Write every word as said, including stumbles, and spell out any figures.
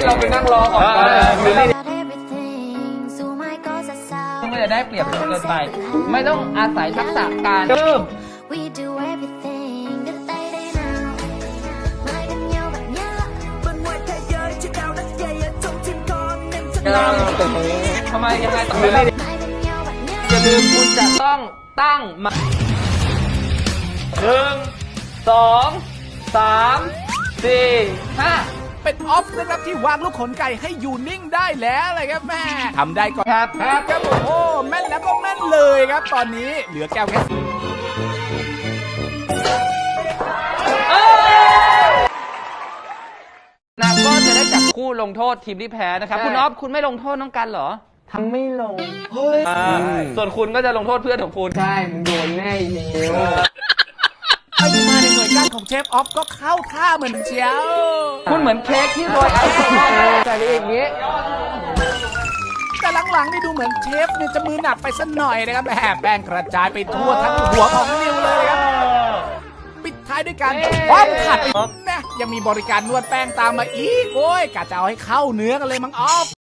เราไปนั่งรอก่อนไม่จะได้เปรียบเกินไปไม่ต้องอาศัยทักษะการเริ่มทำไมยังไงต่ออย่าลืมคุณจะต้องตั้งมาหนึ่งสองสามสี่ห้าเป็นออฟนะครับที่วางลูกขนไก่ให้อยู่นิ่งได้แล้วเลยครับแม่ทำได้ก่อนครับครับครับโอ้โหแม่นแล้วก็แม่นเลยครับตอนนี้เหลือแก้วแค่นะก็จะได้จับคู่ลงโทษทีมที่แพ้นะครับคุณออฟคุณไม่ลงโทษน้องกันเหรอทำไม่ลงเฮ้ยส่วนคุณก็จะลงโทษเพื่อนของคุณใช่มึงโดนแน่เนียวไปมาในหน่วยก้านของเชฟออฟก็เข้าท่าเหมือนเชียวคุณเหมือนเค้กที่โรยไอซ์ใส่ไปอย่างนี้แต่หลังๆนี่ดูเหมือนเชฟเนี่ยจะมือหนักไปสักหน่อยนะครับแหมแป้งกระจายไปทั่วทั้งหัวของนิวเลยครับปิดท้ายด้วยการคว้าขัดไปนะยังมีบริการนวดแป้งตามมาอีกโอ้ยกะจะเอาให้เข้าเนื้อกันเลยมั้งออฟ